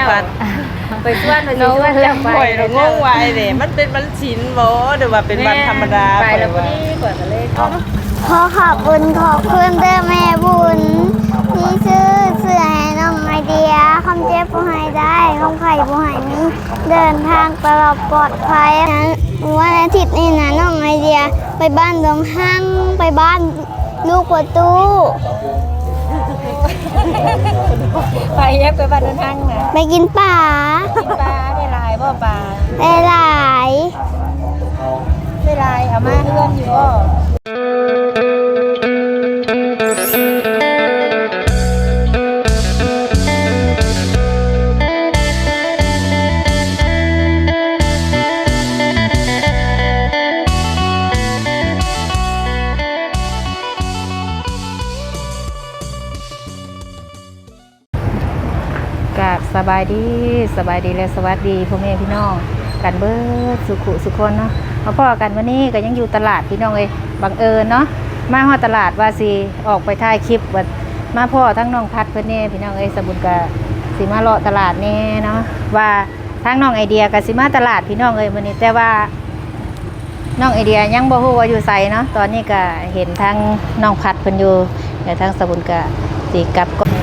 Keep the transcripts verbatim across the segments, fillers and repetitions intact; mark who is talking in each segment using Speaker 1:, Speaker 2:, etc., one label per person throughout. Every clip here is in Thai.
Speaker 1: พัด
Speaker 2: ไปส่วนไปส่วนจะไป
Speaker 1: เรางงไว้เด้มันเป็นวันศิลป์บ่หรือว่าเป็นวันธรรมดา
Speaker 2: ไปแล้วพอดีกว่าก็เลยก็
Speaker 3: ขอขอบคุณขอบคุณเด้อแม่บุญที่ซื้อเสื้อให้น้องไอเดียคำเจ็บผู้ให้ได้คำไข่ผู้ให้นี้เดินทางตลอดปลอดภัยนั้นวันอาทิตย์นี้นะน้องไอเดียไปบ้านดงห้างไปบ้านลูกประตู
Speaker 2: ไปแยกไปบ้านเดินทางนะ
Speaker 3: ไปกินป่า
Speaker 2: กินปลาได้ลายบ่ปลา
Speaker 3: ได้หลาย
Speaker 2: ได้ลายเอามาเพื่อนอยู่บ่
Speaker 4: กับสบายดีสบายดีและสวัสดีพ่อแม่พี่น้องกันเบิดสุขุสุคนเนาะมาพ่อกันวันนี้ก็ยังอยู่ตลาดพี่น้องเลยบังเอิญเนาะมาฮอดตลาดว่าสิออกไปถ่ายคลิปว่ามาพ่อทั้งน้องพัดเพื่อนเน่พี่น้องเอ้ยสบุญกะสิมาเลาะตลาดเน่เนาะว่าทั้งน้องไอเดียกับสิมาตลาดพี่น้องเอ้ยวันนี้แต่ว่าน้องไอเดียยังบ่ฮู้ว่าอยู่ไสเนาะตอนนี้ก็เห็นทั้งน้องพัดเพิ่นอยู่แต่ทั้งสบุญกะสิกลับก็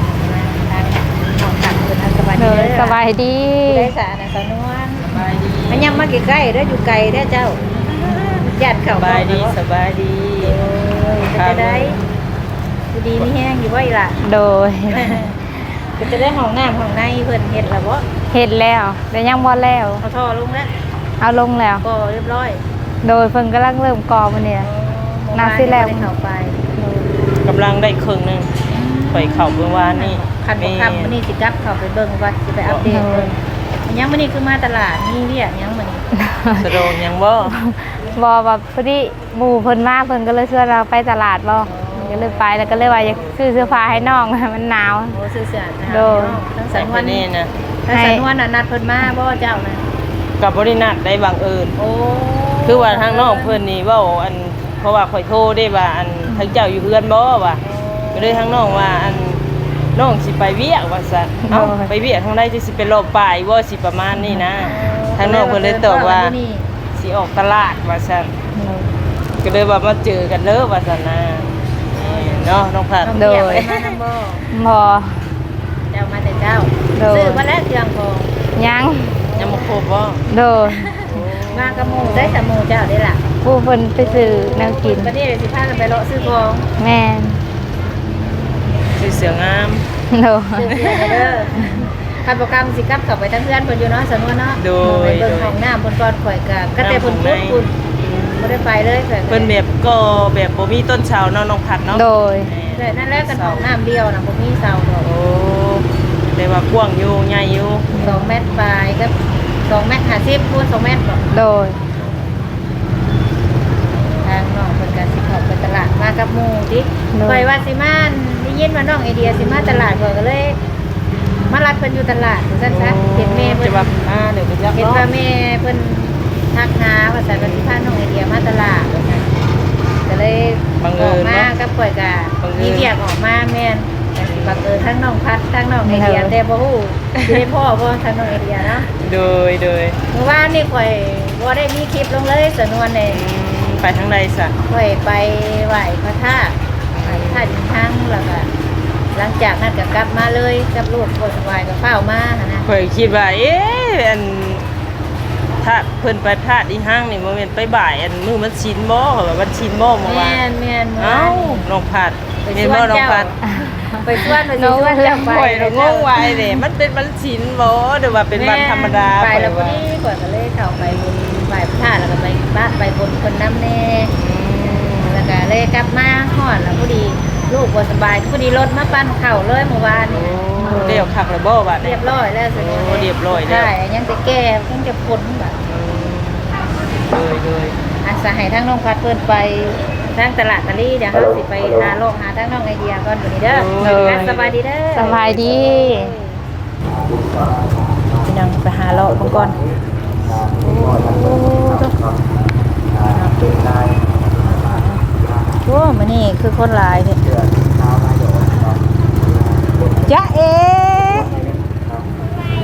Speaker 4: สบายดี
Speaker 2: ได้สานะสาวนวลมันยังมาใกล้ๆเด้ออยู่ไกลเด้อเจ้าญาติเขา
Speaker 1: สบายดีสบายดี
Speaker 2: จะได้อยู่ดีมีแห้งอยู่บ่อีหล่ะ
Speaker 4: โดย
Speaker 2: ก็จะได้ห้องน้ำห้องในเพิ่นเฮ็ดแล้วบ่
Speaker 4: เห็นแล้วแต่ยังบ่แล้ว
Speaker 2: เอาท่อลงแล้ว
Speaker 4: เอาลงแล้ว
Speaker 2: ก็เรียบร้อย
Speaker 4: โดยเพิ่นกำลังเริ่มก่อมันเนี่ยนาซิแล้ว
Speaker 2: เข้าไป
Speaker 1: กำลังได้ครึ่งนึงไปเข้าเมื่อวานนี่
Speaker 2: คันบ่คำมื้อนี้สิกลับเข้าไปเบิ่งว่าสิไปอัปเดตเบิ่งยังมื้อนี้คือมาตลาดมีเรียกยังมื้อนี้
Speaker 1: สะดวกยังบ่
Speaker 4: บ่ว่าพอดีหมู่เพิ่นมาเพิ่นก็เลยชวนเราไปตลาดบ่ก็เลยไปแล้วก็เลยว่าอยากซื้อเสื้อผ้าให้น้อง มันหนาว
Speaker 2: โอ้ซื้อเสื้อนะ
Speaker 4: โดน
Speaker 2: ทั้ง
Speaker 1: ใส่
Speaker 2: สัน
Speaker 1: ค
Speaker 2: วัน น
Speaker 1: นี้นะ
Speaker 2: ทั้งสันวันน่ะนัดเพิ่นมาบ่เจ้านะ
Speaker 1: กับบริณัได้บังเอิญ
Speaker 2: โอ้
Speaker 1: คือว่าทางน้องเพิ่นนี่เว้าอันเพราะว่าข่อยโทรได้ว่าอันทางเจ้าอยู่เฮือนบ่ว่าก็เลยทางน้องว่าอันน้องสิไปเวียกว่าซั่นเอ้าไปเวียกทางใดจะสิไปรอบป่ายบ่สิประมาณนี้นะทางน้องเพิ่นเลยตอบว่าสิออกตลาดว่าซั่นก็เลยว่ามาเจอกันเด้อว่าซั่นนะเนาะน้องพัด
Speaker 2: โดยมานำบ่
Speaker 4: บ่
Speaker 2: เจ้ามาแต่เจ้า
Speaker 4: โดย
Speaker 2: ซื้อมาแล้วเครื่องของ
Speaker 4: ยัง
Speaker 1: ยังบ่ครบบ่
Speaker 4: โดย
Speaker 2: มากับหมู่ได้แต่หมู่เจ้าได้ล่ะ
Speaker 4: ผู้เพิ่นไปซื้อแนวกิน
Speaker 2: วันนี้เดี๋ยวสิพากันไปเลาะซื้อของ
Speaker 4: แม่น
Speaker 1: สิเสืองาม
Speaker 4: โดย
Speaker 2: ซื้อเสื้อเด้อคันโปรแกรมสิกลับเข้าไปทั้งเพื่อนเพิ่นอยู่เนาะสนวนเนาะ
Speaker 1: โด
Speaker 2: ไป
Speaker 1: ย
Speaker 2: เบิ่งห้องน้ำเพิ่นก่อนข่อยก็ก็แต่เพิ่นพูดคุณบ่ได้ไปเลยข่อยก็
Speaker 1: เพิ่นแบบก็แบบบ่มีต้นเสาเนาะน้องพัดเนาะ
Speaker 4: โดย
Speaker 2: เลยนั่นแหละกันห้องน้ำเดียวน่ะบ่มีเสาดอก
Speaker 1: โอ้แต่ว่ากว้างอยู่ใหญ่อยู่
Speaker 2: สองเมตรปลายก็สองเมตรห้าสิบคูณสองเมตรบ่
Speaker 4: โดย
Speaker 2: ทางน้องเพิ่นก็สิเข้าไปตลาดมากับหมู่ดิข่อยว่าสิมาได้ยินว่าน้องไอเดียสิมาตลาดข่อยก็เลย มารับเพิ่นอยู่ตลาดซั่นซะเห็นแม่เพิ่
Speaker 1: จะ
Speaker 2: น
Speaker 1: แบบอ่าเดี๋ยวไปจับ
Speaker 2: เห็น
Speaker 1: เนาะ
Speaker 2: ว่าแม่เพิ่นทักหาว่าซั่นว่าสิพาน้องไอเดียมาตลาดว่าซั่นก็เลยออกมากับข่อยก็มีเวียกออกมาแม่นแต่สิบังเอิญทั้งน้องพัดทั้งน้องไอเดียแต่บ่ฮู้สิได้พ่อบ่ทั้งน้องไอเดียเนาะ
Speaker 1: โดยโดย
Speaker 2: เมื่อวานนี่ข่อยบ่ได้มีคลิปลงเลยสนวนนี่
Speaker 1: ไปทางใดซะ
Speaker 2: ข่อยไปไหว้พระธาตุไหว้พระธาตุอินทังแล้วก็หลังจากนั้นก็กลับมาเลยกับลูกบ่สบายก็เฝ้ามาหั่นนะ
Speaker 1: ข่อยคิดว่าเอ๊ะอันถ้าเพิ่นไปพลาดอีห้างนี่บ่แม่นไปบ่ายอันมื้อมันชินบ่เขาว่ามันชินบ่เมื่อวา
Speaker 2: แม่
Speaker 1: น
Speaker 2: นแม่น
Speaker 1: เอ้าน้องพัด
Speaker 2: ไป
Speaker 1: แม่น
Speaker 2: ชว
Speaker 1: บ่
Speaker 2: น
Speaker 1: น้อง
Speaker 2: เจ้า
Speaker 1: พัด
Speaker 2: ไปชวนไปชวนเจ้าไป
Speaker 1: ข่อยเรางงไว้เด้มันเป็นวันชินบ่หรือว่าเป็นวันธรรมดา
Speaker 2: ไปแล้วพอ
Speaker 1: ข่อย
Speaker 2: ดีข่อยก็เลยเข้าไปบนไหว้พระธาตุแล้วก็ไปบ้านไปบนคนน้ำแน่แล้วก็เลยกลับมาฮอดแล้วพอดีลูกบ่สบายพอดีรถมาปั้นเข้าเลยเมื่อวานนี่
Speaker 1: โอ้เดี๋ยวคักแล้วบ่บัดนี้
Speaker 2: เรียบร้อยแล้วสิ
Speaker 1: โอ้เรียบร้อยแล้ว
Speaker 2: ใช่ยังจะแก้ยังจะพ้นแบบ
Speaker 1: โดยโดย
Speaker 2: อาสาให้ทั้งน้องพัดเพิ่นไปทางตลาดตะลี่เดี๋ยวเฮาสิไปหาโลกหาทั้งน้องไอเดียก่อนวันนี้เด้ออ่ะสบายดีเด้อ
Speaker 4: สบายดีพี่น้องไปหาเลาะเบิ่งก่อนโอ้มื้อนี้คือคนหลายแท้จ๊ะเอ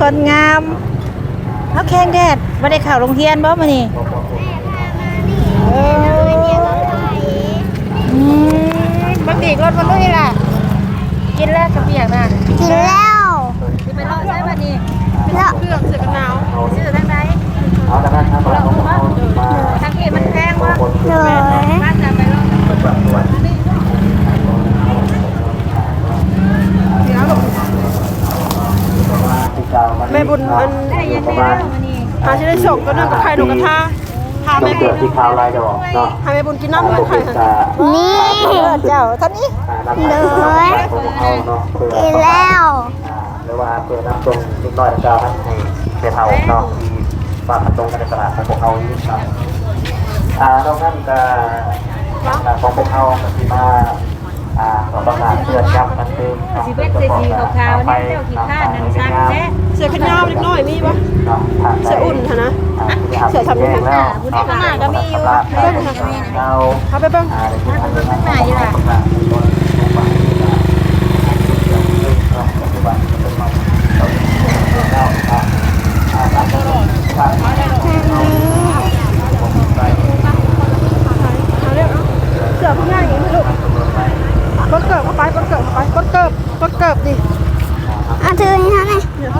Speaker 4: คนงามเฮาแข้งแดดบ่ได้เข้าโรงเรียนบ่มื้อนี้เอออืมบักดีรถบ่ลุยล่ะกินแล้วกระเปียกน่ะ
Speaker 3: กินแล้ว
Speaker 4: สิไปเลาะใช้บัดนี้
Speaker 3: แล้ว
Speaker 4: เครื่องเสื้อกันหนาวซื้อทางใดเลาะบ่ทางนี้มันแพงบ่
Speaker 3: เลย
Speaker 4: บ้านจะไปเลาะแม่บุญมันได้ยังไงแล้วมื้อนี้
Speaker 5: หาที่ได้ส่งก็นึ่งกับไข่นกกระทาพา
Speaker 6: ต้
Speaker 5: แม่
Speaker 6: องเกิดที่ขาวลายดอกเนาะ
Speaker 5: พาแม่บุญกินน้ำกับไข่ค่ะ
Speaker 3: นี่
Speaker 4: เจ้าท่านนี้
Speaker 3: เลยกินแล้ว
Speaker 6: หรือว่าเปิดน้ำตรงนิดหน่อยเจ้าให้ให้เผาเนาะที่บ้านตรงกันในตลาดของพวกเขานี่ครับอ่านอกนั้นก็ของพวกเขาที่มาอ่าประกาศเตือนย้ำกันเติม
Speaker 4: สิเบ็ดใส่สีขาวๆนี่เจ้าขี้ข้านนั่นซักแท้
Speaker 5: เสือขนยาวเล็กน้อยมีปะเสืออุ่นค่ะนะเสือทำยังไง
Speaker 4: ผู้ที่ข้างหน้าก็มีอยู่
Speaker 5: เบิ้งค่ะเอาไปเบิ้ง
Speaker 4: ข้างหน้าอยู่ล่ะ
Speaker 5: เสือพี่ง่ายอย่างนี้ลูกก้นเกิบเข้าไปก้นเกิบเข้าไปก้นเกิบก้นเกิบดิ
Speaker 3: เอาถือให้เขาหน่อย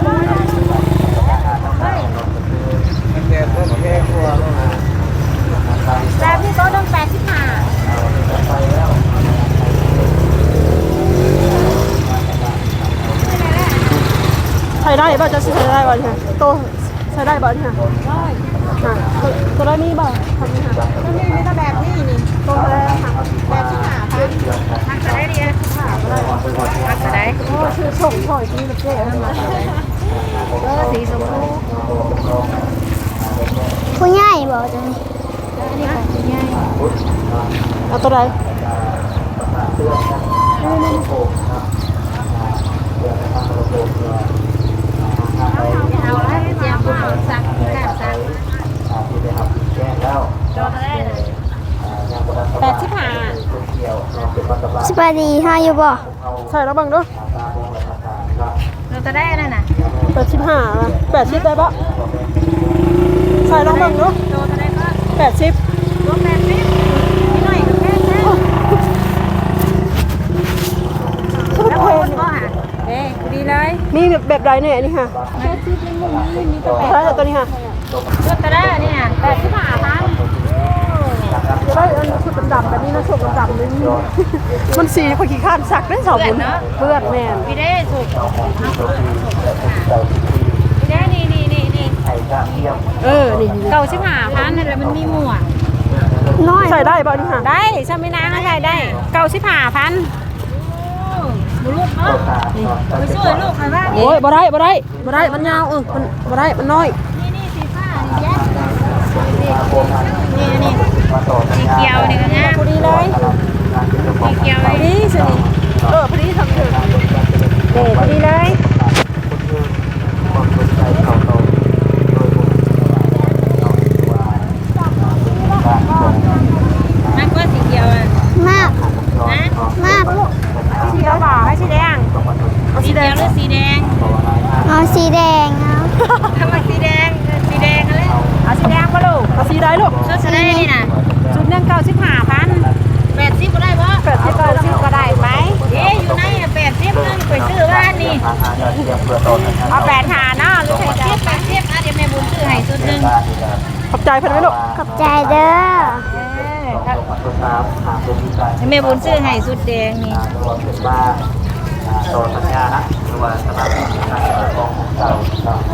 Speaker 4: แล้วพี่โต๊ะต้องแปดสิบห้า
Speaker 5: ใช้ได้ป่ะจะใช้ได้ป่ะเนี่ยโตใช้ได้ป่ะเนี่ยตัวได้นี่ป่ะทำนี่ค่ะ
Speaker 4: ต้องมีแต่แบบนี้นี่
Speaker 5: โตแล้วค่ะ
Speaker 4: แบบสิบห้าพันทักจะได้ดีนะทักจะได้
Speaker 5: โอ้ชื่อส่งถอยที่ประเทศนั่นมา
Speaker 4: เออสีชมพู
Speaker 3: ผู้ใหญ่บอกจะนี่
Speaker 5: เอาตัวใด
Speaker 4: เอาแล้วเจียมเอาสักกาสักจอได้เลยแปดสิบห้า
Speaker 3: สบายดีฮะอยู่บ่
Speaker 5: ใส่แล้วบังด้วย
Speaker 4: เราจะได้นั่นน่ะ
Speaker 5: แปดสิบห้าแปดสิบได้ปะใส่แล้วบังด้วย
Speaker 4: โตจะได้ก็
Speaker 5: แปดสิบ
Speaker 4: รวมแปดสิบนิดหน่อยก็แค่แค่แล้วคนก็หาเอ้ดีเลย
Speaker 5: มีแบบแบบใดเนี่ยนี่ค่ะใช่ตัวนี้ค่ะ
Speaker 4: ชุดจะได้นี่น่ะแปดสิบห้าพัน
Speaker 5: จะได้อันชุดดำๆแบบนี้นะชุดดำๆนี่มันสีพอขี้ข้านสักได้สองบุญเพื่อนแม่
Speaker 4: พี่ได้สุดพี่ได้นี่นี่นี่นี่
Speaker 5: เออนี่
Speaker 4: เก่าสิบห้าพันนั่นแหละมันมีหมวก
Speaker 3: น้อย
Speaker 5: ใส่ได้ป่ะนี่ค่ะ
Speaker 4: ได้ใช่ไหมนางใช่ได้เก่าสิบห้าพันบุรุษเนาะไปช่วยลูกใครบ้าง
Speaker 5: โอ้ยบ่ได้บ่ได้บ่ได้มันยาวเออมันบ่ได้มันน้อย
Speaker 4: นี่นี่สีฟ้านี่แยกนี่นี่สีเขียวนี่ก็งาม
Speaker 5: พอดีเลย
Speaker 4: สีเขียว
Speaker 5: พอดีสิเออพอดีทำถึง
Speaker 4: เด็ดพอดีเลยมากกว่าสีเขียวอ่ะ
Speaker 3: มาก
Speaker 4: นะ
Speaker 3: มาก
Speaker 4: สีเขียวหรอให้สีแดงสีเขียวหรือสีแดง
Speaker 3: เอาสีแดงเอา
Speaker 4: ทำไมสีแดงสีแดงอะไรเอาสีแดงปะลูก
Speaker 5: เอาสีได้ลูก
Speaker 4: ชุดจะได้นี่นะชุดหนึ่งเก้าสิบห้าพันแปดสิบก็ได้ปะ
Speaker 5: แปดสิบ
Speaker 4: เก้าสิบก็ได้ไหมเอ๊ะอยู่ในแปดสิบนึงไปซื้อบ้านนี่เอาแปดหาเนาะหรือแปดสิบแปดสิบอ่ะเดี๋ยวแม่บุญซื้อให้ชุดหนึ่ง
Speaker 5: ขอบใจเพิ่นไหมลูก
Speaker 3: ขอบใจเด้อ
Speaker 4: แม่บุญซื้อให้ชุดแดงนี่
Speaker 6: ต่อสัญญานะหรือว่าสมาชิกในการของเจ้า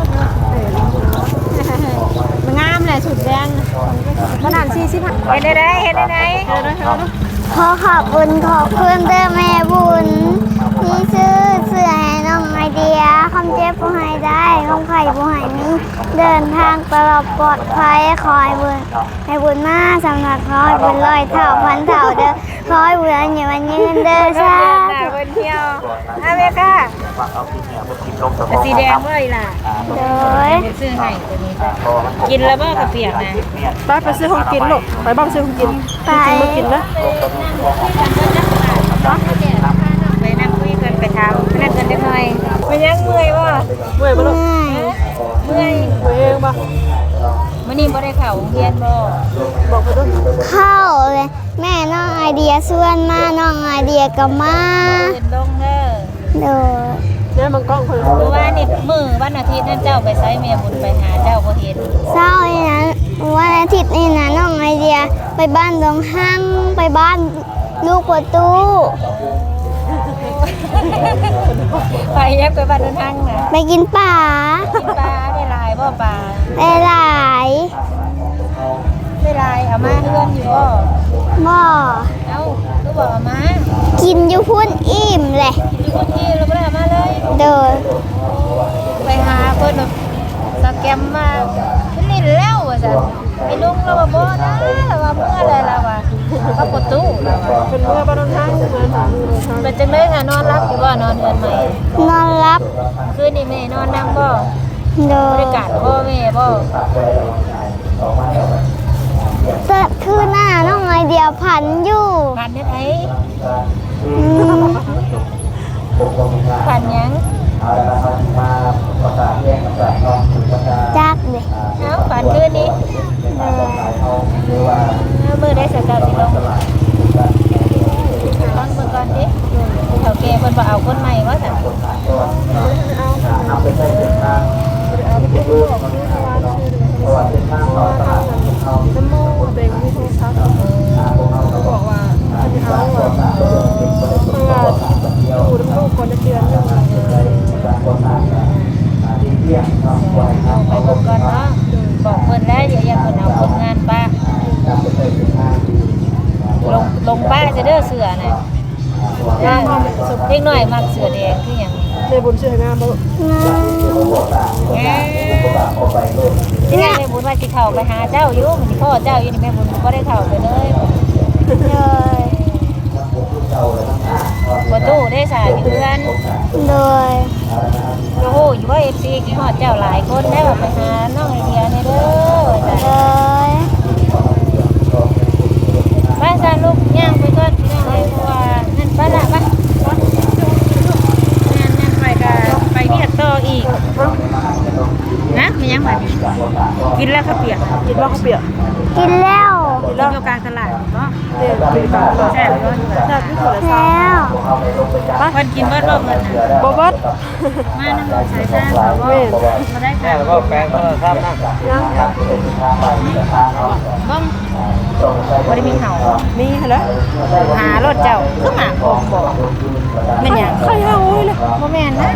Speaker 4: มันงามเลยชุดแดงมันนั่นสี่สิบเห็นได้ได้เห็นได้ได้
Speaker 3: ขอขอบคุณขอบคุณเด้อแม่บุญที่ซื้อเสื้อให้น้องไอเดียคำเจ็บผู้ให้ได้คำไข่ผู้ให้มีเดินทางตลอดปลอดภัยขอให้บุญให้บุญมาสำนักขอให้บุญร้อยเท่าพันเท่าเด้อขอให้บุญอันอยู่วันยืนเด้อชา
Speaker 4: หน้าคนเที่ยวอาเมค่ะสีแดงเลยล่ะ
Speaker 3: โดย
Speaker 4: ซื้อให้ตัวนี้กินแล้วบ่กระเปียกนะ
Speaker 5: ไปไปซื้อของกินลูกไปบ้างซื้อของกิน
Speaker 3: ไป
Speaker 5: จริงๆมากินนะ
Speaker 4: ไปนั่งคุยกันไปทำนั่งกันได้หน่อยไปยังเมื่อยบ่
Speaker 5: เมื่อยบ่ลูก
Speaker 4: เมื่อย
Speaker 5: เมื่อยเองบ่
Speaker 4: มื้อนี้บ่ได้เข้าโรงเรียนบ่
Speaker 5: บอกไปด้วย
Speaker 3: เข้าเลยแม่น้องไอเดียส่วนมาน้องไอเดียก็มา
Speaker 4: ขึ้นลงเด้อ
Speaker 3: โดย
Speaker 5: เนี่ยมันกล้องคน
Speaker 4: เพราะว่านี่มื้อวันอาทิตย์นั่นเจ้าไปไสแม่บุญไปหาเจ้าบ่เห็น
Speaker 3: เศร้านี่นะวันอาทิตย์นี่นะน้องไอเดียไปบ้านดงห้างไปบ้านลูกประตู
Speaker 4: ไปยักไปบ้านเดินทางน่ะ
Speaker 3: ไปกินป่า
Speaker 4: กินปลาได้หลายบ่ปลา
Speaker 3: ได้หลาย
Speaker 4: ได้หลายเอามาเฮือนอยู่บ่
Speaker 3: บ่
Speaker 4: เอ้าคือบ่เอามา
Speaker 3: กินอยู่พุ่นอิ่มเลย
Speaker 4: อยู่คนที่เราบ่ได้เอามาเลย
Speaker 3: โดย
Speaker 4: ไปหาเพิ่นแบบสแกมมาเป็นนี่แล้วว่าซั่นไอ้ลุงเราว่าบ่นะเราว่าเมื่อไรเราว่าเขาประตูเราว่า
Speaker 5: เป็นเมื่อบ้านทางเมื่อหามือทาง
Speaker 4: เป็นจังได๋ค่ะนอนรับอยู่บ่นอนเฮือนใหม่
Speaker 3: นอนรับ
Speaker 4: คืนนี้แม่นอนนำบ่
Speaker 3: โด
Speaker 4: บ
Speaker 3: ย
Speaker 4: ริการพ่อแม่บ่
Speaker 3: เกิดคือหน้าน้องไอเดียผันอยู่
Speaker 4: ผ่านเฮ็ดไผ
Speaker 3: อืม
Speaker 4: ผ่านหยัง
Speaker 3: จักเลย
Speaker 4: เอ้าผ่านคืนนี้
Speaker 3: โดย
Speaker 4: เอ้ามื้อใดสักเจ้าสิลงลองเบิ่งก่อนดิเฒ่าแก่เพิ่นบ่เอาคนใหม่ว่าซั่น
Speaker 5: น้ำมูกเบงมีโทรศัพท์เขาบอกว่าจะเอาอ่ะเพราะว่าดูน้ำลูกก่อนจะเตือนเรื่อง
Speaker 4: เอาไปเบิ่งก่อนเนาะบอกเพิ่นแล้วอย่าอย่าเพิ่นเอาคนงานป้าลงลงป้าจะเด้อเสือน่ะเด้อเด็กน้อยมักเสือแดงคือหยัง
Speaker 5: ในบุญเชื่องามบ่
Speaker 4: แหมที่แม่บุญว่าสิเข้าไปหาเจ้าอยู่มันสิพ่อเจ้าอยู่นี่แม่บุญบ่ได้เข้าไปเลย
Speaker 3: โดย
Speaker 4: บ่ตู้ได้สาอยู่เพื่อน
Speaker 3: โดย
Speaker 4: โอ้โหอยู่ว่า เอฟ ซี กินฮอดเจ้าหลายคนได้ว่าไปหาน้องไอเดียนี่เด้อว่าซั่น
Speaker 3: โดย
Speaker 4: บ้านซาลูกย่างไปก่อนพี่น้องเอ้ยเพราะว่านั่นบ้านละบ้านนั่นนั่นไปก็ไปเวียกต่ออีกนะมันยังบัดนี้กินแล้วข้าวเปียก
Speaker 5: กินว่าเขาเปียก
Speaker 3: กินแล้ว
Speaker 4: กินอยู่กลางตลาดเนาะ
Speaker 5: เด็กกินปลา
Speaker 4: แซ่บเนาะ
Speaker 5: แซ่บที่สุดเลย
Speaker 3: แล้ว
Speaker 4: เพิ่นกินเบิดบ่เพิ่นน่ะ
Speaker 5: บ่บัด
Speaker 4: มานำรถสายซ่าเขาบ่บ่ได้ค่ะ
Speaker 6: แล้วก็แปลงโทรศัพท์นะ
Speaker 5: ยัง
Speaker 4: บ่บ่ได้มีเห่า
Speaker 5: มีแล้ว
Speaker 4: หารถเจ้าคือหมาโคงบ่แม่นหยัง
Speaker 5: ใครเอาโอ้ยเลย
Speaker 4: บ่แม่นนะ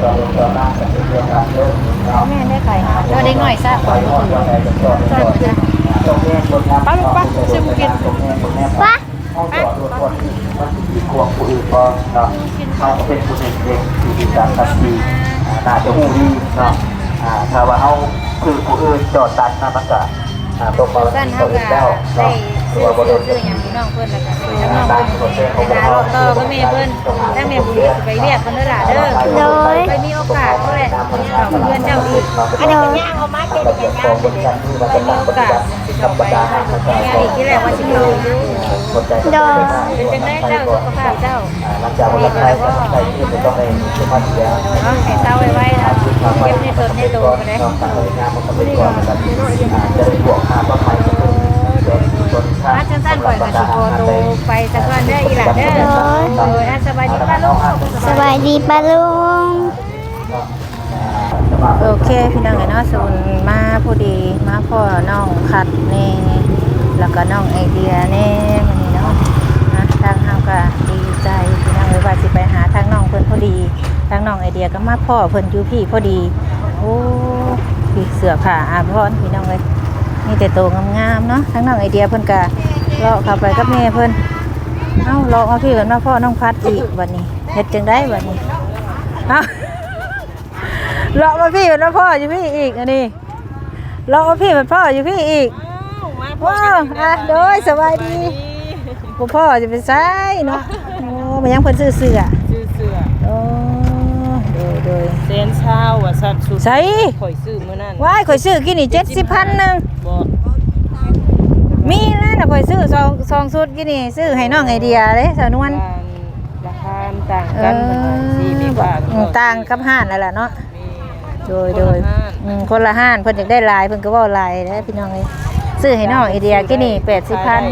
Speaker 4: บ่แม่นได้ไข่เราเด็กน้อยซะก่อนบ่ถือใช่บ่จ๊ะ
Speaker 5: ไปลูกไปซื้อมากิน
Speaker 3: ปะ
Speaker 6: ไปพวกผู้อื่นก็เนาะเขาก็เป็นผู้หนึ่งเด็กที่การทันทีน่าจะหูดีเนาะถ้าว่าเขาคือผู้อื่นจอดตัดนะมันก็ตรงมา
Speaker 4: สั้น
Speaker 6: ตั
Speaker 4: เฮาว
Speaker 6: อื่น
Speaker 4: ก็
Speaker 6: แล้ว
Speaker 4: ได้
Speaker 6: เนาะตัว
Speaker 4: ซื้อบ
Speaker 6: ริ
Speaker 4: ซื้อ
Speaker 6: เวณ
Speaker 4: ซื้อหยังพี่น้องเพิ่นแล้วก็ซื้อน้องเพิ่นไปหารถต่อก็แม่เพิ่นถ้าแม่บุญสิไปเรียกเพิ่นเด้อล่ะเด้อ
Speaker 3: โดย
Speaker 4: ไปมีโอกาสก็แหละเข้าเพื่อนเจ้าอีกอันนี้ก็ย่างเอามาเก็บเป็นย่างเด้อไปมีโอกาสสิเข้าไปงานอีกที่แรกว่าสิเข้าอยู่
Speaker 3: โดย
Speaker 4: เป็นจังได๋เจ้าสุขภาพเจ้า
Speaker 6: หลังจากวันไทยก็ใส่ที่จะต้องให้สุภาพเสีย
Speaker 4: เนาะให้เศร้าไว้ๆนะเก็บในตนในตัวก็ได้
Speaker 6: นอกจากงานมันก็เป็นก่อนนะครับจะได้บวกค่าต้นไม้ก็คือต้นค่า
Speaker 4: อาจารย์ก่อยกับสิโกโตไปสักวันเด้ออีหล่ะเด้อโดยสบายดีป้าลูก
Speaker 3: สบายดีปะลุง
Speaker 4: โอเคพี่น้องเนาะส่วนมาพอดีมาพ่อน้องคัดแน่แล้วก็น้องไอเดียแน่มื้อนี้เนาะนะทางเฮาก็ดีใจพี่น้องเอ้ยว่าสิไปหาทางน้องเพิ่นพอดีทางน้องไอเดียก็มาพ่อเพิ่นอยู่พี่พอดีโอ้พี่เสื้อผ้าอาภรณ์พี่น้องเอ้ยมีแต่โตงามๆเนาะทางน้องไอเดียเพิ่นก็เลาะเข้าไปกับแม่เพิ่นเอ้าเลาะมาพี่กันมาพ่อน้องพัดอีกวันนี้เฮ็ดจังได๋บัดนี้เอ้า เลาะมาพี่เป็นพ่ออยู่พี่อีกอันนี้เลาะมาพี่เป็นพ่ออยู่พี่อีกว้าวอ่ะโดยสบายดีผมพ่อจะเป็นไซเนาะโอ้มันยังเพิ่นซื้อเสื้อ
Speaker 1: ซื้อเสื้อ
Speaker 4: โอ้โดยโดย
Speaker 1: เซนเช้าว่าซั่นสุด
Speaker 4: ใส่
Speaker 1: ข่อยซื้อมื้อนั้น
Speaker 4: ว้ายข่อยซื้อกินนี่เจ็ดสิบพันหนึ่ง
Speaker 1: บ่
Speaker 4: มีแล้วนะข่อยซื้อซองซองสุดกินนี่ซื้อให้น้องไอเดียเลยสาวนวล
Speaker 1: ราคาต่างกันเพิ่นว่าสิมี
Speaker 4: บ่อืมต่างกับห้านนั่นแหละเนาะโดยโดยอืมคนละห้านเพิ่นอยากได้หลายเพิ่นก็เว้าหลายเด้อพี่น้องเอ้ยซื้อให้น้องไอเดียกินนี่แปดสิบพัน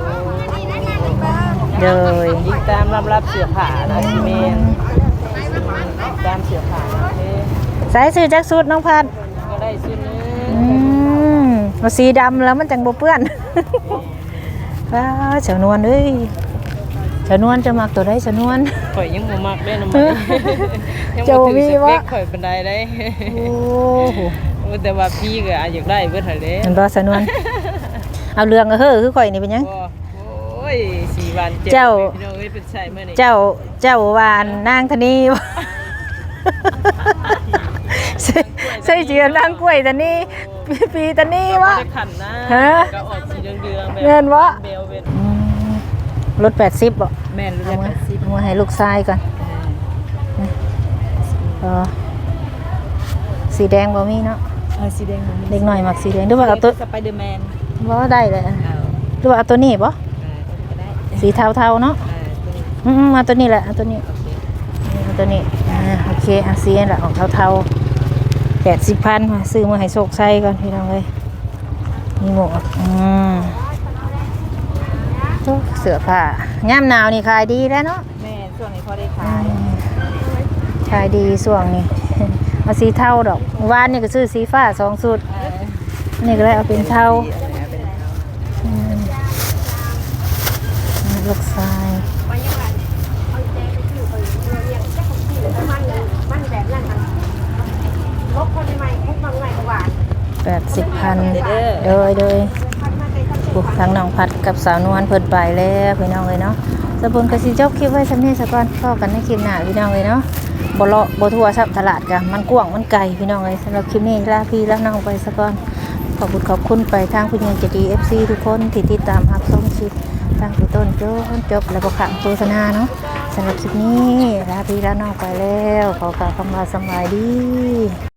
Speaker 4: โดย
Speaker 1: ยิงตามรับรับเสื้อผ้านะสิแม่นตามเสื้อผ้าเด้
Speaker 4: สายซื้อจักสุดน้องพัด
Speaker 1: ก็ได้ซื้อนึ
Speaker 4: อื
Speaker 1: ง
Speaker 4: มเอาสีดำแล้วมันจังบ่เปื้อน ว้าเฉานวลเอ้ยเฉานวลจะมักตัวใดเฉานวล
Speaker 1: ข่อยยังบ่มักเด้นำมันยัง
Speaker 4: เจ้า
Speaker 1: บ่ถึง
Speaker 4: มี
Speaker 1: ส
Speaker 4: วะ
Speaker 1: เปคข่อยปานใดได้
Speaker 4: โอ้โห
Speaker 1: โอ้แต่ว่าพี่ก็อาจอยากได้เบิดหั่นเด้
Speaker 4: มันบ่เฉานวลเอาเรื่องก็เฮ้อคือข่อยนี่เป็นหยัง
Speaker 1: บ่โอ้ยสี่วันเจ็ด
Speaker 4: เจ้า
Speaker 1: พี่น้องเอ้ยเป็นใช่มื้อนี้
Speaker 4: เจ้าเจ้าว่านนางธนีบ่ ใส่ใส่เจียนางกล้วยตะนี่ปีปีตะนี่วะ
Speaker 1: ได้ขันนะ
Speaker 4: ฮะ
Speaker 1: ก็ออกสีเหลืองๆแบบ
Speaker 4: เงินวะ
Speaker 1: เบลเวน
Speaker 4: อืมรถแปดสิบบ่
Speaker 1: แม่นรู้
Speaker 4: เอา
Speaker 1: จัก
Speaker 4: มา
Speaker 1: กันสิ
Speaker 4: เอามาให้ลูกชายก่อนเออสีแดงบ่มีเนาะ
Speaker 1: เออสีแดง
Speaker 4: เด็กหน่อยมักสีแดงหรือว่าเอาตัว
Speaker 1: สไปเดอร์แมน
Speaker 4: บ่ได้เลย
Speaker 1: เอา
Speaker 4: หรือว่าเอาตัวนี้บ่
Speaker 1: ก็ได้
Speaker 4: สีเทาๆเนาะ
Speaker 1: เออตัวนี้
Speaker 4: อืมๆเอาตัวนี้แหละเอาตัวนี้เอาตัวนี้อ่าโอเคเอาสีนั่นแหละออกเทาๆแปดสิบพันมาซื้อมาให้โชคชัยก่อนพี่น้องเอ้ยนี่หมวกอืมโอ้เสื้อผ้าย่ามหนาวนี่ขายดีแล้วเนาะ
Speaker 1: แม่ช่วงนี้พอได้
Speaker 4: อื
Speaker 1: ขาย
Speaker 4: มขายดีช่วงนี้ เอาสีเทาดอกวานนี่ก็ซื้อสีฟ้าสองสุด
Speaker 1: เออ
Speaker 4: นี่ก็เลยเอาเป็นเทา
Speaker 1: สีอะไรนะเป็นเทา
Speaker 4: อืมลูกชายแปดสิบพันโดยโดยบุกทางน้องพัดกับสาวนวลเพิ่นไปแล้วพี่น้องเลยเนาะสบุญกสิจบคลิปไว้สำนี้ซะก่อนพอกันในคลิปหน้าพี่น้องเลยเนาะบ่เลาะบ่ทั่วซับตลาดกะมันกว้างมันไกลพี่น้องเลยสำหรับคลิปนี้ลาพี่ลาน้องไปซะก่อนขอบคุณขอบคุณไปทางผู้ใหญ่ใจดี เอฟ ซี ทุกคนที่ติดตามรับชมคลิปตั้งแต่ต้นจนจบและบ่ขาดโฆษณาเนาะสำหรับคลิปนี้ลาพี่ลาน้องไปแล้วขอกล่าวคำว่าสำบายดี